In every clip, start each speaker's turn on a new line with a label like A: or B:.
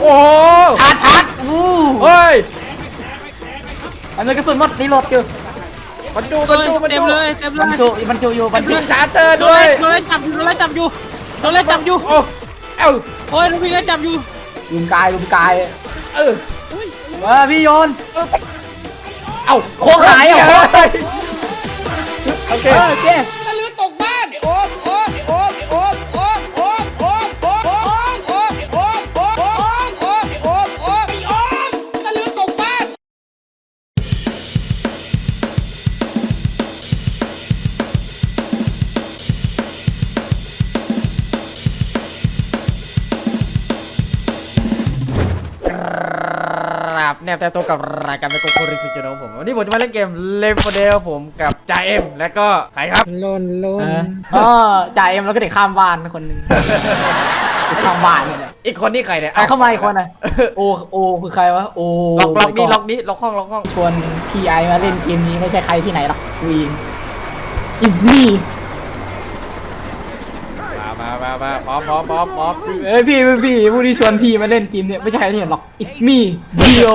A: โอ้
B: ชาร์จ
A: เฮ้ย
B: อันนี้กระสุนหมดรีโหลดอยู่
A: บรรจุ
C: เต็มเลยเต็มเล
B: บรร
C: ย
B: จุบรรจุอยู่บรรจุ
A: ชาร์เจอร์ด้วย
C: โดนไล่จับอยู่โดนไล่จับอยู่โดนไล่จับอยู่
A: โอ้เอ้า
C: โอ้ยลูกพี่ไล่จับอยู่
B: ลุมกาย
A: เออ
B: พี่โยน
A: เอ้า
B: โค้งหายอ่ะ
A: โอเค
B: โอเค
A: ตะลือตกบ้านโอ้โอ้โอ้โอ้โอ้โอ้โอ้โอ้โอ้โอ้โอ้โอ้โอ้โอ้โอ้โอ้ตะลือตกบ้านครับแนบแต่ตัวกับรายการเป็นโกโก้ริฟิชโนผมวันนี้ผมจะมาเล่นเกมเลฟเดลผมกับจ่าเอ็มและก็ใครครับ
C: ลน
B: อ๋อจ่ายเอ็มแล้วก็เด็กข้ามบ้านคนหนึ่งข้ามบ้านเนี่ย
A: อีกคนนี่ใครเนี่ย
B: เข้ามาอีกคนอ่ะโอคือใครวะโอ
A: ล็อกนี้ล็อกห้อง
B: ชวนพีไอมาเล่นเกมนี้ไม่ใช่ใครที่ไหนหรอกกูเองอิสมี่
A: มาพร้อม
B: เอ้ยพี่ผู้ที่ชวนพี่มาเล่นเกมเนี่ยไม่ใช่ใครที่ไหนหรอกอิสมี่ดิโอ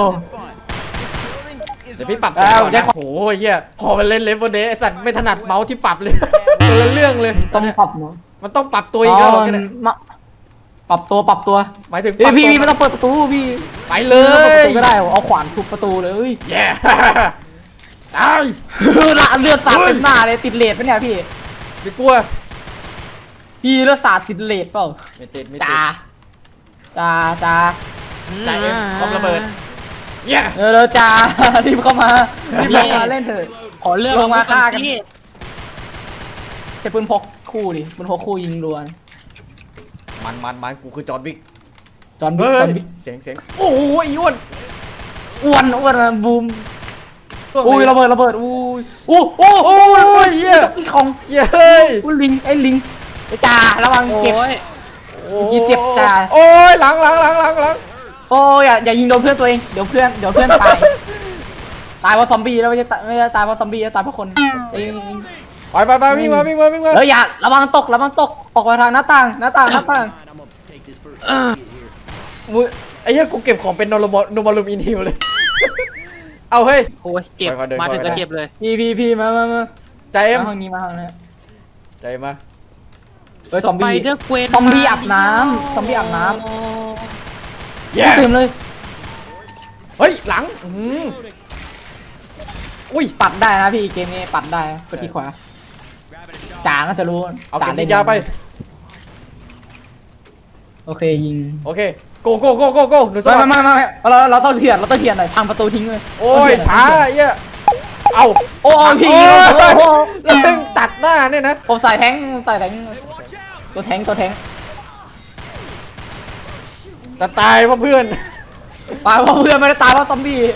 A: เดี๋ยวพี่ปรับก่อนนะโอ้ยเฮียพอมันเล่นเลฟเดลไอสัตว์ไม่ถนัดเมาส์ที่ปรับเลยคนละเรื่องเลย
B: ต้องปรับเนาะ
A: มันต้องปรับตัวอีกแล้วเนี่ย
B: ปรับตัว
A: หมายถึง
B: พี่ไม่ต้องเปิดประตูพี่
A: ไปเล
B: เปิดประ
A: ย
B: ตูไม่ได้เอาขวานทุบประตูเลย
A: แย่ตาย
B: เลือดสาดเต็มหน้าเลยติดเลดปะเนี่ยพี่
A: ไม่กลัว
B: พี่เลือดสาดติดเลดเปล่า
A: ไม่ติด
B: จ้า
A: จ่าเอ็มพร้อมระเบิดแย่
B: จ้ารีบเข้ามาเล่นเถอะ
C: ขอเลือก
B: ลงมาฆ่ากัน
C: สิ
B: ใช้ปืนพกคู่ดิปืนพกคู่ยิงรัว
A: มันกูคือจอห์นวิก
B: จอนบิ๊ก
A: เสียงโอ้ยอ้วน
B: อ้วนบูมอุ้ยระเบิดอุ้ยโอ้
A: เหี้ย
B: ของ
A: เฮ้ย
B: ลิงไอ้จ่าระวังเก็บ ยี่เจ็บจ่า
A: โอ้ยหลัง
B: โอ้ยอย่ายิงโดนเพื่อนตัวเองเดี๋ยวเพื่อนตายเพราะซอมบี้แล้วไม่ใช่ตายเพราะซอมบี้ตายเพราะคนเอง
A: ไปวิ่งมา
B: เฮ้ยอย่าระวังตกออกมาทางหน้าต่าง
A: ไอ้เหี้ยกูเก็บของเป็นโนมาลูมอินฮิลเลยเอาเฮ้ย
C: โอ้ยเจ็บมาถึงก็เจ็บเลย
B: พี่มา
A: ใจเอ็ม
B: ห้องนี้มา
A: ใจมา
B: เฮ้ยซอมบี้อาบน้ำตื่นเลย
A: เฮ้ยหลังอุ้ย
B: ปัดได้นะพี่เกมนี้ปัดได้กดที่ขวาจ่าน่าจะรู้
A: เอาเก็บยาไป
B: โอเคยิง
A: โอเคโกหนู
B: ไม่เราต้องเถียนหน่อยพังประตูทิ้งเลย
A: โอ้ยช้าเหี้ยเอา
B: โอ้พี่
A: แล้วตึงตัดหน้าเนี่ยนะ
B: ผมใส่แทงตัวแทง
A: แต่ตายเพราะเพื่อน
B: ไม่ได้ตายเพราะซอมบี้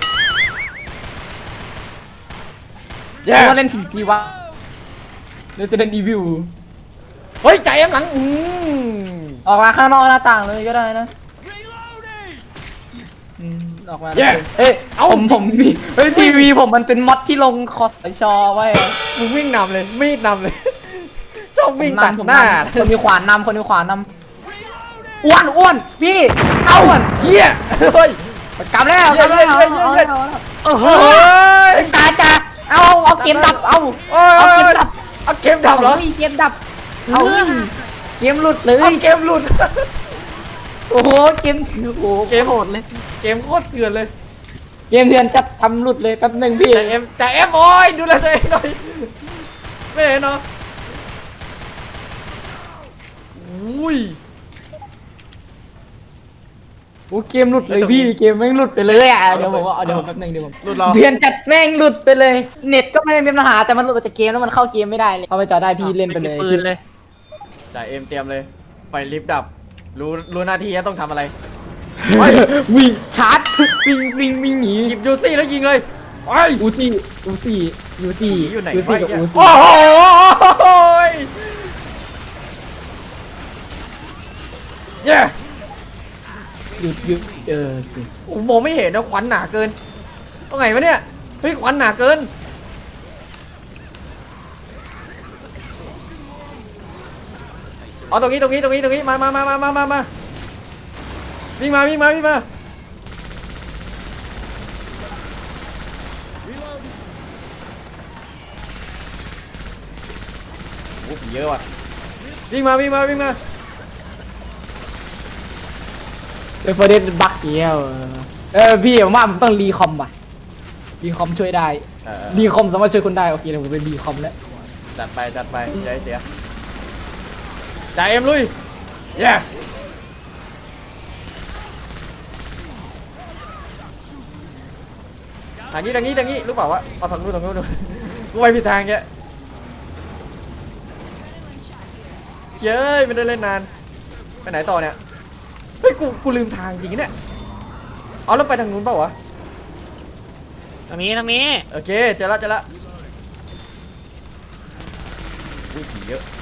B: เล่นผีวะ Resident Evil
A: เฮ้ยใจเอ็มหลัง
B: ออกมาข้างนอกหน้าต่างเลยก็ได้นะออกมาเอ้ยผมมีทีวีผมมันเป็นม็อดที่ลงคอสชอไว้
A: มึงวิ่งนำเลยมีดนำเลยชอบวิ่งตัดหน้า
B: คนมีขวานนำอ้วนพี่เอา
A: เหี้ยเฮ้ย
B: กลับแล้ว
A: โอ้โห
B: จ่าเอาเกมดับเอาเกมดับ
A: เหรอ
B: เกมดับเอาเกมหลุดเลย
A: เกมหลุด
B: โอ้โหเกมโหดเลย
A: เกมโคตรเถื่อนเลย
B: เกมเถื่อนจะทำหลุดเลยแป๊บนึงพี่
A: จ่าเอ็มโอ้ยดูแลตัวเองหน่อยไม่เห็นเนาะอุ้ย
B: โอ้เกมหลุดเลยพี่เกมแม่งหลุดไปเลยอ่ะเดี๋ยวผมแป๊บนึงเดี๋ยวผมเถื่อนจัดแม่งหลุดไปเลยเน็ตก็ไม่ได้มีปัญหาแต่มันหลุดจากเกมแล้วมันเข้าเกมไม่ได้เลยเข้าไปจอได้พี่เล่นไปเลย
C: ปืนเลย
A: จ่าเอ็มเตรียมเลยไปลิฟต์ดับรู้หน้าที่ต้องทำอะไร
B: วิ่งชาร์จวิ่งหนี
A: หยิบยูซี่แล้วยิงเลยไอ้
B: อูซี่
A: อยู่ไหน
B: โอ้โห
A: เย้
B: หยุดสิ
A: มองไม่เห็นนะควันหนาเกินตรงไหนวะเนี่ยเฮ้ยควันหนาเกินเอาตรงนี้มา
D: วิ่งมาวิ่งมาวิ่งมาโอ้ผีเยอะว่ะวิ่งมาวิ่งมาวิ่งมา
B: เฟอร์เดนบักเงี้ยพี่ผมว่าผมต้องรีคอมว่ะรีคอมช่วยได้รีคอมสามารถช่วยคนได้โอเคเดี๋ยวผมไปรีคอมแล้ว
D: จัดไปจัดไปใจเสียจ่ายเอ็มลุยเย้ทางนี้รู้เปล่าวะเอาทางนู้นดูกูไปผิดทางแกเย้ยไม่ได้เล่นนานไปไหนต่อเนี่ยเฮ้ยกูลืมทางจริงเนี่ยเอาแล้วไปทางนู้นเปล่าวะ
C: ทางนี้
D: โอเคเจอละอุ้ยผีเยอะ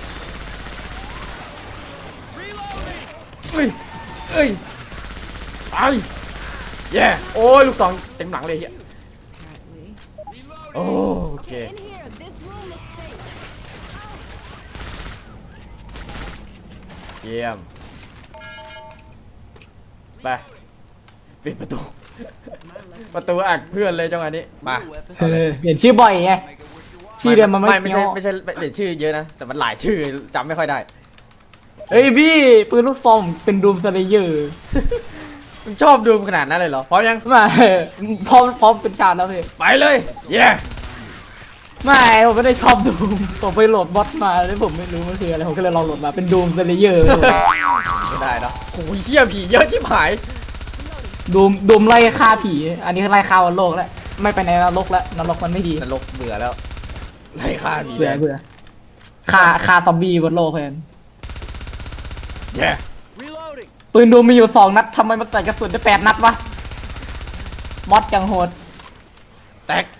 D: เอ้ยไปเย้โอ้ยลูกศรเต็มหลังเลยเฮียโอเค
E: In here, this room looks safe.
D: เยี่ยมไปปิดประตู ประตูอัดเพื่อนเลยจังหวะนี้มา
B: เปลี่ยนชื่อบ่อยไงชื่อเดิมมันไม่
D: ไม่
B: เฟี้ยว
D: ใช่เปลี่ยนชื่อเยอะนะแต่มันหลายชื่อจำไม่ค่อยได้
B: เฮ้ยพี่ปืนลูกซองเป็นดูมสเลเยอร์
D: มึงชอบดูขนาดนั้นเลยเหรอพร้อมยัง
B: ไม่พร้อมเป็นชาติแล้วพี่
D: ไปเลยเย้
B: ไม่ผมไม่ได้ชอบดูมผมไปโหลดบอทมาแล้วผมไม่รู้มันคืออะไรผมก็เลยลองโหลดมาเป็นดูมสเลเยอร์
D: ไม่ได้เนาะโอ้ยเชี่ยผีเยอะชิบหาย
B: ดูมไล่ฆ่าผีอันนี้ไล่ฆ่าวันโลกแล้วไม่ไปในนรกแล้วนรกมันไม่ดี
D: นรกเบื่อแล้วไล่ฆ่าผี
B: เบื่อฆ่าซอมบี้บนโลกแทน
D: เย้
B: ปืนดูมมีอยู่2 นัดทำไมมันใส่กระสุนได้8 นัดวะมอดจังโหด
D: แตก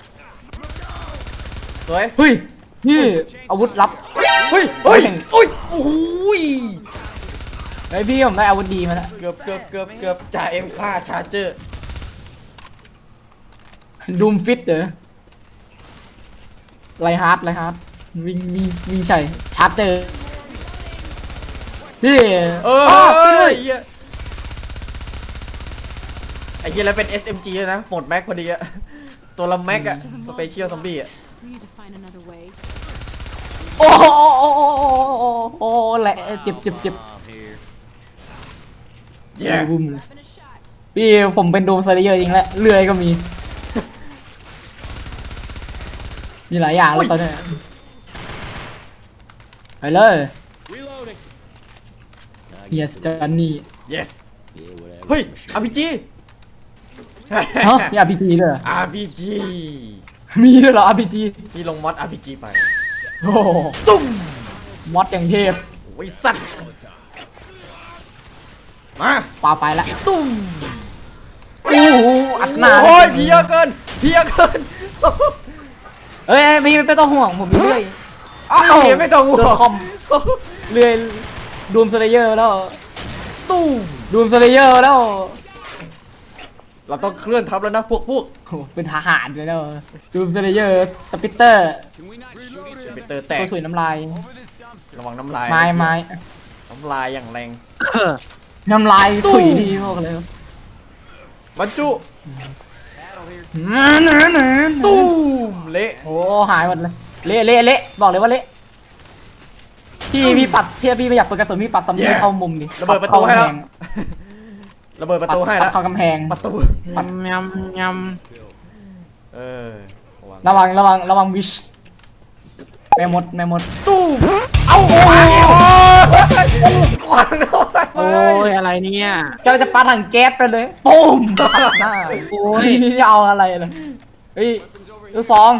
D: สวย
B: เฮ้ยนี่อาวุธลับ
D: เฮ้ยโอ้ยโอ้ย
B: ไอพี่ผมได้อาวุธดีมาแล้ว
D: เกือบจ่าเอ็มฆ่าชาร์เจอร์
B: ดูมฟิตเหรอไลฮาร์ดวิ่งใช่ชาร์จเจอนี่
D: ไอ้เหี้ยแล้วเป็น SMG ด้วยนะหมดแม็กพอดีอะตัวละแม็กอะสเปเชียลซอมบี้อะ
E: We need to find another way.
B: โอ้โอ้แหละเจ็บ
D: เย้
B: บุ้มเลยพี่ผมเป็นดูมสเลเยอร์จริงแล้วเลื่อยก็มีมีหลายอย่างแล้วตอนนี้ไปเลยเฮียสจอนนี่
D: yes เฮ้ย RPG
B: ฮะมี RPG ด้วยเหรอ
D: RPG
B: มีด้วยเหรอ RPG
D: พี่ลงมอด RPG ไป
B: โอ้โห
D: ตุ้ม
B: มอดอย่างเทพ
D: โอ้ยสัตว์มา
B: ปาไฟละ
D: ตุ้ม
B: โอ้โหอัดหน้า
D: โอ้ยผีเยอะเกิน
B: เอ้ยพี่ไม่ต้องห่วงผมมีเรื่อย
D: อ้าวไม่ต้องห่ว
B: โดน
D: ง
B: คอมเรื่อยดูมสเลเยอร์แล้ว
D: ตุ้ม
B: ดูมสเลเยอร์แล้ว
D: เราต้องเคลื่อนทับแล้วนะพวก
B: โอ้โหเป็นทหารเลยแล้วดูมสเลเยอร์สปิตเตอร์
D: ไปเตอร์แตก
B: ตัวถุยน้ำลาย
D: ระวังน้ำลาย
B: ไม้
D: น้ำลายอย่างแรง
B: น้ำลายถุยดีพวกเลย
D: บรรจุ
B: ตู้
D: ตุ้มเละ
B: โอ้หายหมดเลยเละบอกเลยว่าเละพี่ปัดพี่ไม่อยากเปิดกระสุนพี่ปัดซัมบี้เข้ามุมดิ
D: ระเบิดประตูให้แล้วระเบิดประตูให้แล้ว
B: เข้ากำแพง
D: ประตู
C: ยำ
D: เออ
B: ระวังวิชแม่มด
D: ตู้มเอาโอ้ยขวางหน่อย
C: โอ้ยอะไรเนี่ย
B: ก็จะปาถังแก๊สไปเลยปุ้มหน้า
C: โอ้ย
B: เอาอะไรเลยเฮ้ยลูกซอง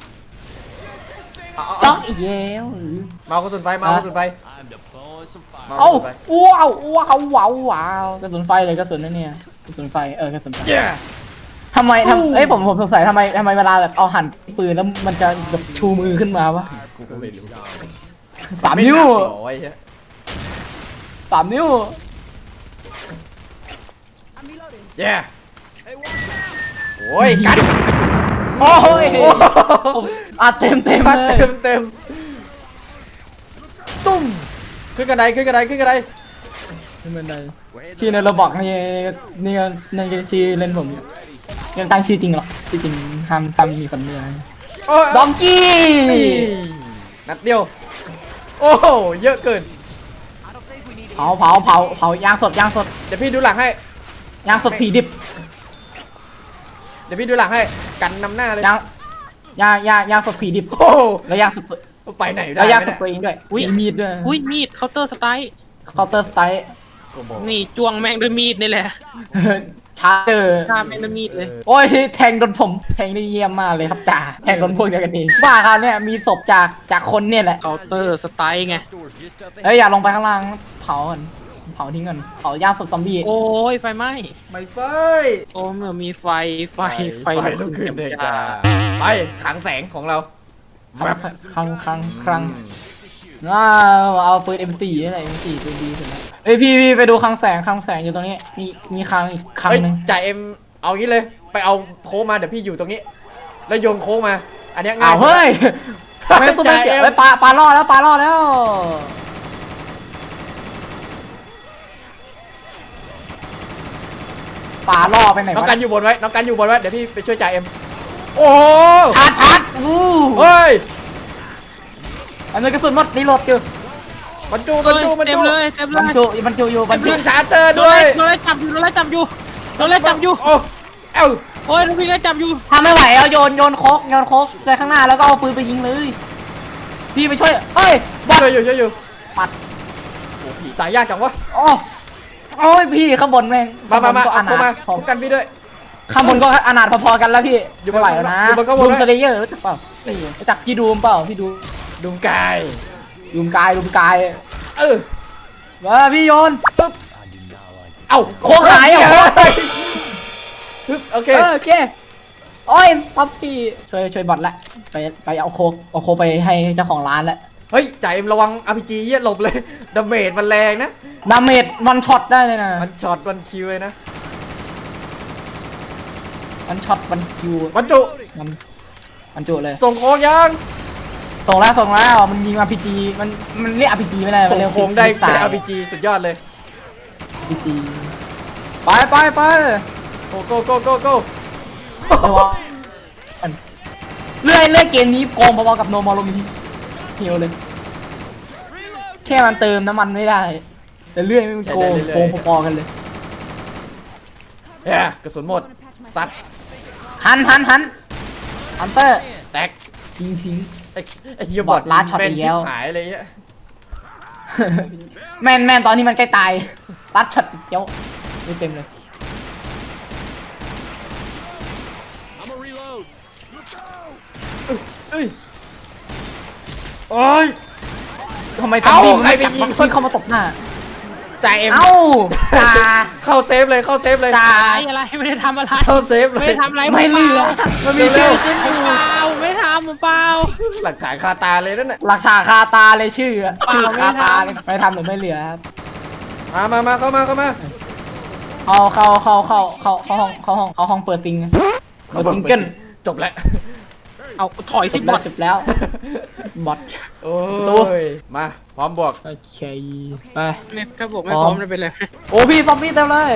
B: จ๊อกอีกแล้ว
D: เมากระสุนไฟเมากระสุนไฟ
B: เอ้าว้าวกระสุนไฟเลยกระสุนนั่นเนี่ยกระสุนไฟกระสุนไฟ
D: เย้
B: ทำไมผมสงสัยทำไมเวลาแบบเอาหันปืนแล้วมันจะแบบชูมือขึ้นมาวะ
D: กูก็ไม่รู้
B: 3 นิ้ว
D: ไม่หนักหรอไอ้เหี้ย
B: 3 นิ้ว
D: เย้โอ้ยกัด
B: โอ้ยผมอัดเต็ม
D: กัด
B: เลย
D: เต็มตุ้มขึ้นกระได
B: ไม่เป็นไรชื่อในระบอกนี่ก็ชื่อเล่นผมอยู่ยังตั้งชื่อจริงหรอชื่อจริงห้ามมีคนเดียว
D: โอ้ย
B: ดองกี้
D: นี่นัดเดียวโอ้โหเยอะเกิน
B: เผายางสด
D: เดี๋ยวพี่ดูหลังให้
B: ยางสดผีดิบ
D: เดี๋ยวพี่ดูหลังให้กันนำหน้าเลย
B: ยางสดผีดิบ
D: โอ้โห
B: แล้วยางสด
D: ไปไหนได้
B: แล้วยางส
D: ไม่
B: เปรย์ด้วยมีมีดด้วย
C: อุ้ยมีดเคาน์เตอร์สไตล์
B: เคาน์เตอร์สไตล์
C: นี่จ้วงแม่งด้วยมีดนี่แหละ
B: ชาร์เจอร์
C: ฆ่าแม่งด้วยมีดเลย
B: โอ้ยแทงโดนผมแทงได้เยี่ยมมากเลยครับจ่าแทงโดนพวกเดียวกันเองบ้าครับเนี่ยมีศพจากคนเนี่ยแหละ
C: เคาน์เตอร์สไตล์ไง
B: เอ้ยอย่าลงไปข้างล่างเผาก่อนเผาทิ้งก่อนเผาย่างสดซอมบี้
C: โอ้ยไฟไหม้
D: ไม่ไฟ
C: โอ้เมื่อมีไฟ
D: ไฟลุกขึ้นเด็กจ้าไปขังแสงของเรา
B: ครั้งเอาปืน M4 นี่แหละ M4 ปืนดีสุดแล้วเอ้ยพี่ไปดูคลังแสงอยู่ตรงนี้มีคลังอีกคลัง
D: เฮ้ย
B: หนึ่ง
D: จ่าเอ็มเอางี้เลยไปเอาโค้งมาเดี๋ยวพี่อยู่ตรงนี้ แล้วโยนโค้งมา อันเนี้ยง่า
B: อ้าวย เฮ้ยไม่สู้ไม่เสีย
D: จ่าเอ็ม
B: เฮ้ยปลาล่อแล้วปลาล่อไปไหน
D: น้อง
B: วะ
D: กันอยู่บนไว้น้องกันอยู่บนไว้เดี๋ยวพี่ไปช่วยจ่าเอ็มโอ้โห
B: ชาร์จอู้
D: เฮ้ย
B: อันนี้กระสุนหมดรีโหลดอยู่
D: บรรจุ
C: เต็มเลยเต็มเล
B: บรร
C: ย
B: จุอยู่บรรจุ
D: ขึ้นชาร์เจอร์
C: โด
D: ด้วย
C: นไล่จับอยู่โดนไล่จับอยู่
D: โอ้เอ้า
C: โอ้ยโดนวิ่งไล่จับอยู่
B: ทำไม่ไหวเอาโยนโคกไปข้างหน้าแล้วก็เอาปืนไปยิงเลยพี่ไปช่วยเอ้ยบอล
D: ช่วยอยู่
B: ปัด
D: โอ้ผีตายยากจังวะ
B: โอ้ยพี่ข้างบนแม่ง
D: มา
B: ข้างบนก็อ
D: เอาโค้ง
B: นา
D: มา
B: ถ
D: คุ้มกันพี่ด้วย
B: ข้างบนก็อนาถพอๆกันแล้วพี่
D: อยู่บน
B: ไม่ไหวแล้วนะ
D: อยู่บนข้างบน
B: ดูม
D: ไว้
B: สเลเยอร์รู้จักเปล่ารู้จักพี่ดูมเปล่าพี่ดู
D: ดุมกาย
B: ดูมกายว่าพี่โยน
D: ปึ๊บเอ้า
B: โค้งหายอ่ะ
D: ปึ๊บโอเค
B: โอเคโอ้ยป๊อปปี้ช่วยบอทละไปเอาโคกไปให้เจ้าของร้านละ
D: เฮ้ยจ่าเอ็มระวัง RPG เยี่ยหลบเลยดาเมจมันแรงนะ
B: ดาเมจวันช็อตได้เลยนะ
D: มันช็อตมันคิวเลยนะ
B: วันช็อตวันคิว
D: บรรจุ
B: มันจุเลย
D: ส่งโค้งยัง
B: ส่งแล้วมันยิง RPG มันเรียก RPG ไม่ได้
D: ส่ง
B: เรียก
D: โค้งได้
B: สา
D: เป็น
B: ย
D: RPG สุดยอดเลย
B: RPG ไป
D: โก้โก้โก้โก้โก้
B: เลื่อยเกมนี้โกงพอๆกับโนมอลมิเฮียวเลยแค่มันเติมน้ำมันไม่ได้ แต่เลื่อยไม่มันโกงพอๆกันเลย
D: เฮ้ยกระสุนหมดซัด
B: หันเตอร์
D: แตก
B: ทิ้ง
D: ไอ้เหี้ยบอด
B: บอทลาดช็อต
D: แม่น
B: อีก
D: ชิ
B: แล้ว
D: บหายเลยเนี่ย
B: แม่นตอนนี้มันใกล้ตายรัดช็อตเกี้ยวไม่เต็มเลย
D: เอ้ย
B: โอ้ยทำไมซอมบี้มันไม่จับวัคซีนเข้ามาตบหน้า
D: จ่าเอ็ม
B: เอ้าจ่า
D: เข้าเซฟเลยเข้าเซฟเลย
B: จ่า
C: อะไรไม่ได้ทำอะไร
D: เข้าเซฟเลย
C: ไม่ได้ทำอะไร
B: ไม่เหลือมันมีชื่อขึ้นอยู่
C: เปล่าไม่ทำเปล่า
D: หลักฐานคาตาเลยนั่นน่ะ
B: หลักฐานคาตาเลยชื่อคาตาเลย
C: ไม่ทำ
B: ไม่ทำหรือไม่เหลือครับ
D: มาเข้ามา
B: เข้าห้องเปิดซิงเปิดซิงเกิล
D: จบแล้ว
C: เอาถอยสิบอท
B: จบแล้วบอท
D: โอ้
B: ตัว
D: ยมาพร้อมบวก
B: โอเคไป
C: เนี่ยถ้าบอกไม่พร้อมจะเป็นไร
B: โอ้พี่ซอมบี้เต็มเลย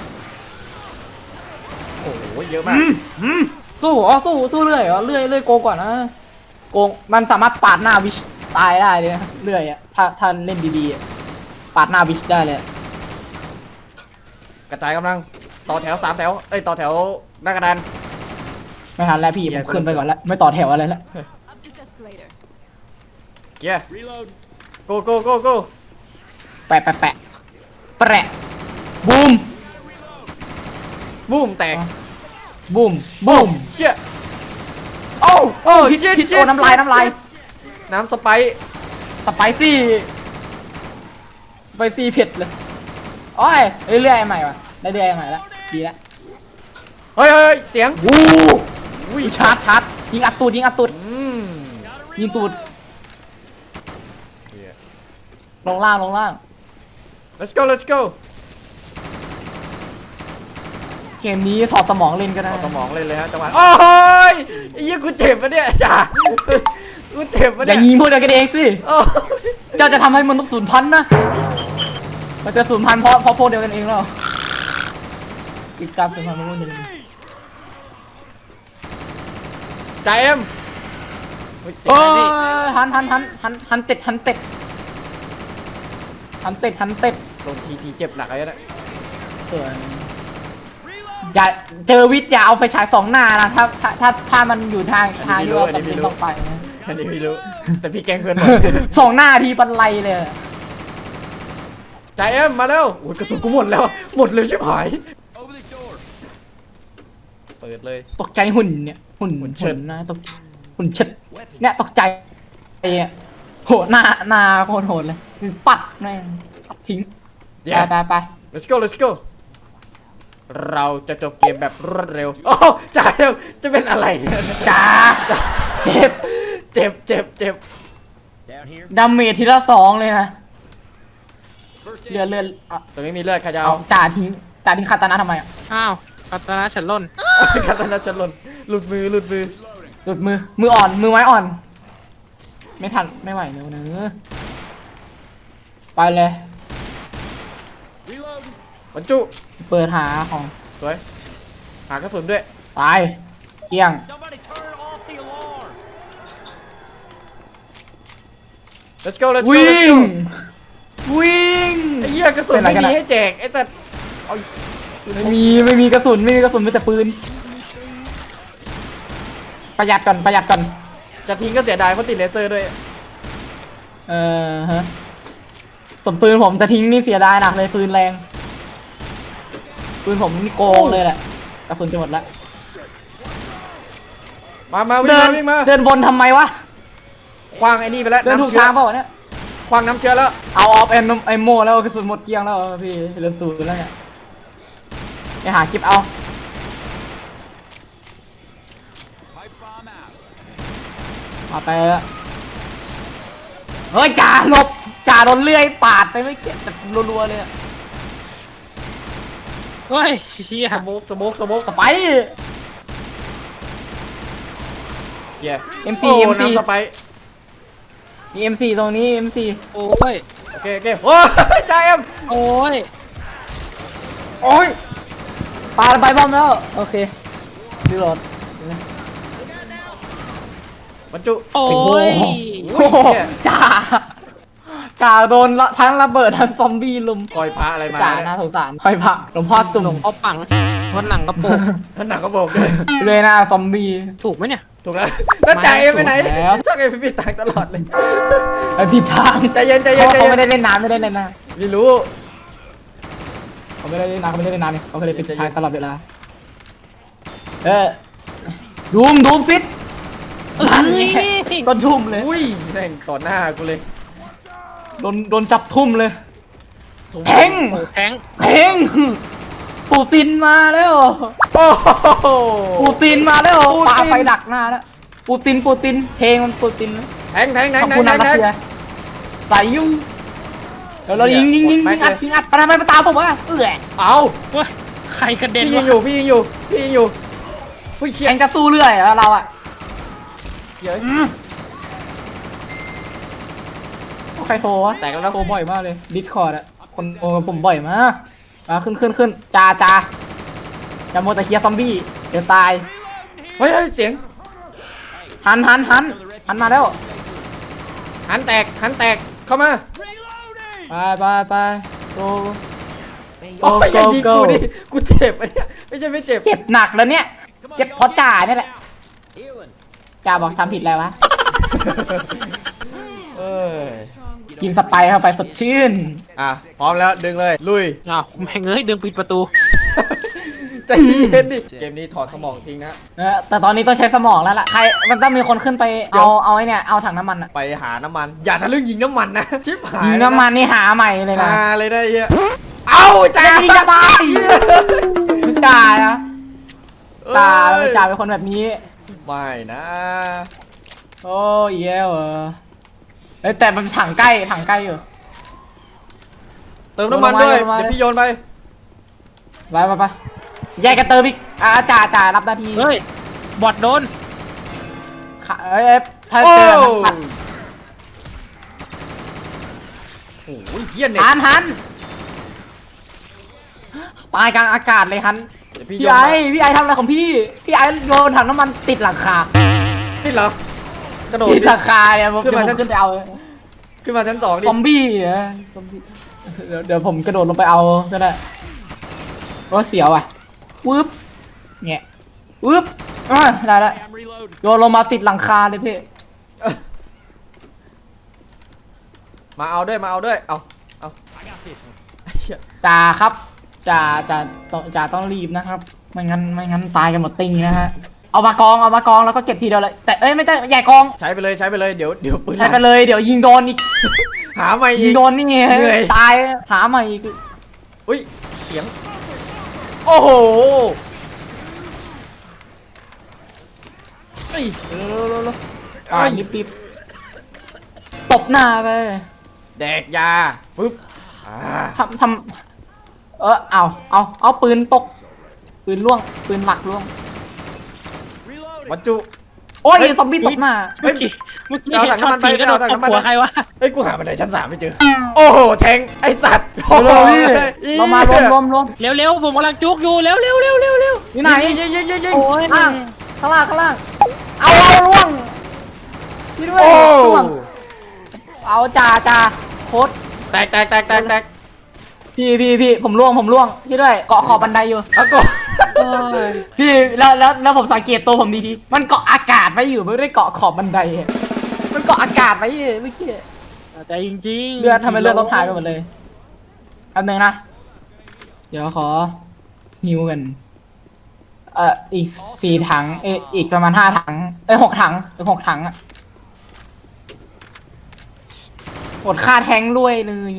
D: โอ้โหเยอะมาก
B: สู้เรื่อยเหรอเรื่อยโกงก่อนนะโกงมันสามารถปาดหน้าวิชตายได้เลยนะเรื่อยอ่ะถ้าเล่นดีๆอะปาดหน้าวิชได้เลย
D: กระจายกำลังต่อแถว3แถวเอ้ยต่อแถวหน้ากระดาน
B: ไม่ทันแล้วพี่ผมขึ้นไปก่อนแล้วไม่ต่อแถวอะไรแล้ว
E: Up this escalator.
D: เกียร์โกโก้
B: แปะบูม
D: บูมแตก
B: บูม
D: เชี่ย
B: โอ้
D: โอ้
B: พิษ
D: เชี่ย
B: พิษ
D: เชี่
B: โอ้น้ำลาย
D: น้ำสไปซ์
B: สไปซี่เผ็ดเลยโอ้ยเรื่อยๆใหม่ว่ะได้เรื่อยใหม่แล้วดีแล้ว
D: เฮ้ยเสียง
B: วู้
D: อุ้ย
B: ชาร์จยิงอัดตูดยิงตูด ลงล่าง
D: let's go
B: เกมนี้ถอดสมองเล่นก็ได้
D: เอาสมองเลยฮะจังหวะโอ้ยไอ้ยี่กูเจ็บปะเนี่ยจ่ากูเจ็บปะ
B: อย่า
D: เนี่ย
B: ยิงพวกเดียวกันเองสิ
D: โอ้ย
B: เจ้าจะทำให้มนุษย์สูญพันธุ์นะมันจะสูญพันธุ์เพราะพวกเดียวกันเองแล้วกิจกรรมสูญพันธุ์เพราะพวกเดียวกัน
D: จ่าเอ็มเฮ้ยเสียง
B: โอ้
D: อะไรนี่
B: ยหันเต็ด
D: โดนทีเจ็บหนักเลยนะ
B: ส่วนอย่าเจอวิทย์อย่าเอาไฟฉายสองหน้านะถ้ามันอยู่ทางที่เราจำเป็นต้องไปนะ
D: อันนี้ไม่รู้แต่พี่แกล้งเพื่อนหมด
B: สองหน้าทีบันไลเลย
D: จ่าเอ็มมาแล้วโอ้ยกระสุนกูหมดแล้วหมดเลยชิบหายเปิดเลย
B: ตกใจหุ่นเนี่ยหุ่น
D: เชิด
B: นะตกหุ่นเชิดเนี่ยตกใจไอ้เนี่ยโหหน้าโคตรโหดเลยปัดแม่งปัดทิ้งไป
D: let's go เราจะจบเกมแบบรวดเร็วโอ้จ่าเอ็มจะเป็นอะไรเนี่ย
B: จ้าเจ็บ
D: เจ็บ
B: ดาเมจทีละ2เลยนะเลือดอ่ะ
D: ตรงนี้มีเลือดใครจะ
B: เอา
D: เอา
B: จ่าทิ้งคาตานะทำไมอ่ะ
C: อ้าวกัตนาฉันล่น
D: คาตานะจะหล่นหลุดมือ
B: หลุดมืออ่อนมือไม้อ่อน ไม่ทันไม่ไหวเนื้อไปเลย
D: บรรจุ
B: เปิดหาของ
D: สวยหากระสุนด้วย
B: ตายเกลี้ยง
D: let's go
B: วิ่งวิ่ง
D: ไอ้เหี้ยกระสุน
B: เป็นไร
D: ไม่
B: กัน
D: มี
B: อะ
D: ให้แจกไอ้สัตว์เอา
B: ไม่มีกระสุนมีแต่ปืนประหยัดก่อน
D: จะทิ้งก็เสียดายเพราะติดเลเซอร์ด้วย
B: ฮะสมปืนผมจะทิ้งนี่เสียดายหนักเลยปืนแรงปืนผมนี่โกงเลยแหละกระสุนจะหมดแล้ว
D: มาวิ่งมา
B: เดินบนทำไมวะ
D: คว้างไอ้นี่ไปแล้ว
B: เดินถูก
D: น้ำเชื้อ
B: ทางเปล่าวะเนี่ย
D: คว้างน้ำเชื้อแล้ว
B: เอาออฟแอนไอโมแล้วกระสุนหมดเกลี้ยงแล้วพี่เหลือ0แล้วเนี่ยไปหาเก็บเอามาไปแล้วเฮ้ยจ่าหลบจ่าโดนเลื่อยปาดไปไม่เก็บแต่รัวๆเลยอะ
C: เฮ้ยเฮีย
D: สโมก
B: สไปร์
D: เย้
B: MC
D: โอ้น้ำสไปร์
B: มี MC ตรงนี้ MC
C: โอ้ย
D: โอเคโอ้ยจ่าเอ็ม
C: โอ้ย
B: โอ้ยปาไปบอมแล้วโอเครีโหลด
D: บรรจุ
C: โอ้ย
B: โอ้โหจ่าโดนทั้งระเบิดทั้งซอมบี้ลุม
D: คอยพระอะไรมา
B: จ่า
D: เนี่ย
B: น่าสงสารหอยผักหลวงพ่อสุ่ม
C: เอาปังวันหลังกระโปง
D: ท่านหนักก็บอกเลย
B: เลยนะซอมบี้
C: ถูกไหมเนี่ย
D: ถูกแล้วแล้วจ่าเอ็มไปไหน
B: ถูกแล้ว
D: ช่างเอ็มพี่ตังค์ตลอดเลย
B: ไอผิดทาง
D: ใจเย็น
B: เขาไม่ได้เล่นน้ำไม่ได้เล่นน้
D: ไม่รู้
B: ำเขาไม่ได้เล่นน้ำเนี่ยเขาเคยเล่นผิดทางตลอดเวลาดูมฟิตก็ทุ่มเลย
D: อุ้ยแม่งต่อหน้ากูเลย
B: โดนจับทุ่มเลยแทง
C: โอ้แทง
B: ปูตินมาแล้ว
D: โอ้โห
B: ปูตินมาแล้ว
D: ปูติน
B: ปาไฟดักหน้าแล้วปูตินเพลงมันปูติน
D: แทง
B: ขอบคุณนะรัสเซียใส่ยุ่งเรายิงอัดปะทำไมมาตามผมวะ
D: เอา
C: เฮ้ยใครกระเด็น
D: พี่ยิง
C: วะ
D: อยู่ผู้ยเชี่ย
B: แข่งจะสู้เรื่อยแล้วเราอ่ะ
D: เยอะ
B: ใครโทรวะ
D: แตกแล้วนะ
B: โทรบ่อยมากเลยดิสคอร์ดอ่ะคนโทรกับผมบ่อยมากขึ้นจ้าอย่าโมแต่เคลียร์ซอมบี้เดี๋ยวตาย
D: เฮ้ยเสียง
B: หันมาแล้ว
D: หันแตกเข้ามา
B: ไปโก
D: โอ้ยอย่ายิงกูดิกูเจ็บอันเนี้ยไม่ใช่ไม่เจ็บ
B: เจ็บหนักแล้วเนี่ยเจ็บเพราะจ่าเนี่ยแหละจ่าบอกทำผิดอะไรวะ
D: เออ
B: กินสไปร์เข้าไปสดชื่น
D: อ่ะพร้อมแล้วดึงเลยลุย
C: อ้าวแม่งเอ้ยดึงปิดประตู
D: ใจเย็นดิเกมนี้ถอดสมองทิ้งนะ
B: แต่ตอนนี้ต้องใช้สมองแล้วล่ะมันต้องมีคนขึ้นไปเอาไอ้เนี่ยเอาถังน้ำมันอะ
D: ไปหาน้ำมันอย่าทะลึ่งยิงน้ำมันนะชิบหาย
B: ยิงน้ำมันนี่หาใหม่เลยนะ
D: หาเลยได้เหี้ยเอาจ้า
B: ยิงจะตายจ่านะจ่าเป็นคนแบบนี้
D: ไม่นะ
B: โอ้ยแย่แต่มันถังใกล้อยู่
D: เติมน้ำมันด้วย
B: ลงมา
D: เดี๋ยวพี่โยนไป
B: ไปแยกกันเติมอีกจ่ารับหน้าที่
C: เฮ้ยบอดโดน
B: ถ้า
D: โอ้
B: เจอมัน
D: โอ้ยเหี้ยเน็ต
B: หันตายกลางอากาศเลยฮัน
D: เดี๋ยวพี่
B: พี่
D: โยน
B: ไอ้พี่ไอ้ทำอะไรของพี่พี่ไอ้โยนถังน้ำมันติดหลังคา
D: ติดเหรอ กระโดด
B: ติด
D: ดิ
B: หลังคาเนี่ยผม
D: ขึ้นมา
B: เดี๋ยวผมขึ้นไปเอา
D: ขึ้นมาชั้นสองดิ
B: ซอมบี้เหรอซอมบี้เดี๋ยวผมกระโดดลงไปเอาก็ได้โอ้เสียวอ่ะวืบเงี้ยวืบได้แล้วโยนลงมาติดหลังคาเลยพี่
D: มาเอาด้วย เอาไอ้เหี้ย
B: จ่าครับจ่าต้องรีบนะครับ ไม่งั้นตายกันหมดติงนะฮะเอามากองแล้วก็เก็บทีเดียวเลยแต่เอ้ยไม่ใช่ใหญ่กอง
D: ใช้ไปเลย เดี๋ยวปืน
B: ใช้ไปเลยเดี๋ยวยิงโดนอีก
D: หาใหม่
B: ยิ
D: อี
B: ง
D: ก
B: โดนนี่ไง
D: เหนื่อย
B: ตายหาใหม่อีก
D: อุ้ย เสียง โอ้โหเอ้ยเร็วๆ
B: อ่ารีบตบหน้าไป
D: แดกยาปึ๊บ
B: ทำเอาปืนตกปืนล่วงปืนหลักล่วง
D: บรรจุ
B: โอ้ย
D: เฮ้ย
B: ซอมบี้ตกหน้า
C: เมื่อกี้
D: เอา
C: เห็
D: ถั
C: น
D: ง
C: ช็อ
D: น้ำมั
C: ต
D: นไป
C: ผีกระโดด
D: เอาถัง
C: ตบ
D: น้ำมัน
C: หัวใครวะ
D: เฮ้ย กูหาบันไดชั้น 3ไม่เจอ โอ้โห แทงไอสัตว์โอ้โห
B: เรามารวม
C: เร็วๆผมกำลังจุกอยู่เร็ว
B: อยู่ไหน
D: ยิง
C: โอ้ย
B: ข้างล่างเอาล่วงพี่ด้วย
D: โอ้
B: ล่วงเอาจ่าโคตร
D: แตก
B: พี่ผมล่วงพี่ด้วยเกาะขอบบันไดอยู่
D: เอาก่อน
B: พี่แล้วผมสังเกตตัวผมดีๆมันเกาะอากาศไว้อยู่ไม่ได้เกาะขอบบันไดอะมันเกาะอากาศไว้อยู่เมื่อกี้
C: แต่จริงๆ
B: เลือดทำให้เลือดลดหายไปหมดเลยแป๊บนึงนะเดี๋ยวขอฮิวกันอีก4 ถังอีกประมาณ5 ถัง6 ถังถึง6 ถังอะหมดค่าแทงค์ด้วยเลย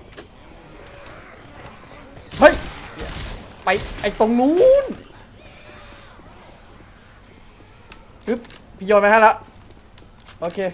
D: เฮ้ย ไปไอตรงนู้นปึ๊บพี่โยนไปให้แล้ว โอเค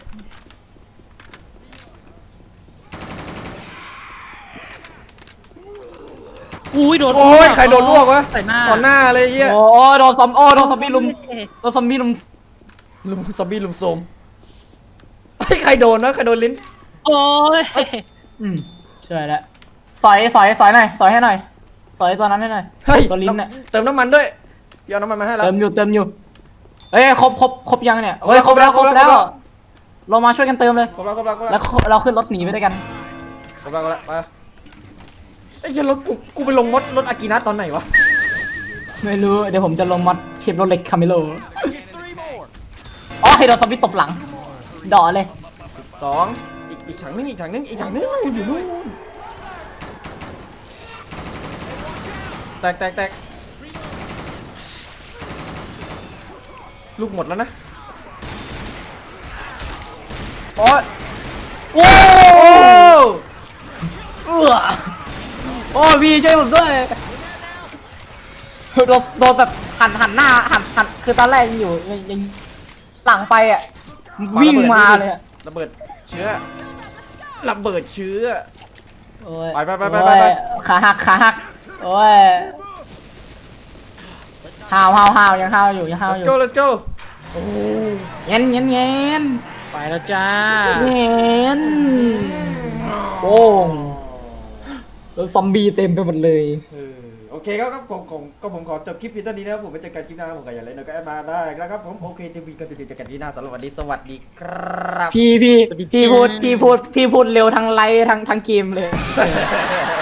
C: อุ้ยโดน
D: โอ้ย ใครโดนลวกวะ
C: ใส่หน้า
D: ต่อหน้าเลยเฮีย
B: โอ้โดนซอมบี้ลุมซอมบี้ลุม
D: ซอมบี้ลุมโซมเฮ้ย ใครโดนวะใครโดนลิ้น
C: โอ้ย
B: ช่วยแล้วสอยหน่อยสอยให้หน่อยสอยตัวนั้นให้หน่อย
D: เฮ้ย
B: ตัวลิ้นเนี่ย
D: เติมน้ำมันด้วยพี่เอาน้ำมันมาให้แล้ว
B: เติมอยู่เอ้ยครบยังเนี่ยเฮ้ยครบแล้ว
D: ครบแล้ว
B: เรามาช่วยกันเติมเลย
D: ครบแล้ว
B: แล้วเราขึ้นรถหนีไปด้วยกัน
D: ครบแล้วไปไอ้เหี้ยรถกูไปลงรถอากินะตอนไหนวะ
B: ไม่รู้เดี๋ยวผมจะลงมอดเชฟรถเล็กคาเมโลอ๋อให้โดนซอมบี้ตบหลังดอเลย
D: 2อีกถังนึงอยู่นู่นแตกลูกหมดแล้วนะ
B: โอ้ย
D: โอ้
B: โอ้พี่ช่วยผมด้วยโดนแบบหันหน้าหันคือตอนแรกยังอยู่ยังหลังไปอ่ะวิ่งมาเลยอะ
D: ระเบิดเชื้อ
B: โอ้ย
D: ไป
B: โอ้ยขาหักโอ้ยห้าวยังห้าวอยู่
D: let's go
B: เย็น
C: ไปแล้วจ้า
B: โอ้งแล้วซอมบี้เต็มไปหมดเลย
D: โอเคครับผมขอจบคลิปเพียงเท่านี้นะครับผมไปเจอกันคลิปหน้าผมก็อย่าลืมก็แอดมาได้นะครับผมโอเคทีวีก็จะเจอกันที่หน้าสำหรับวันนี้สวัสดีครับ
B: พี่พูดเร็วทั้งไลฟ์ทั้งเกมเลย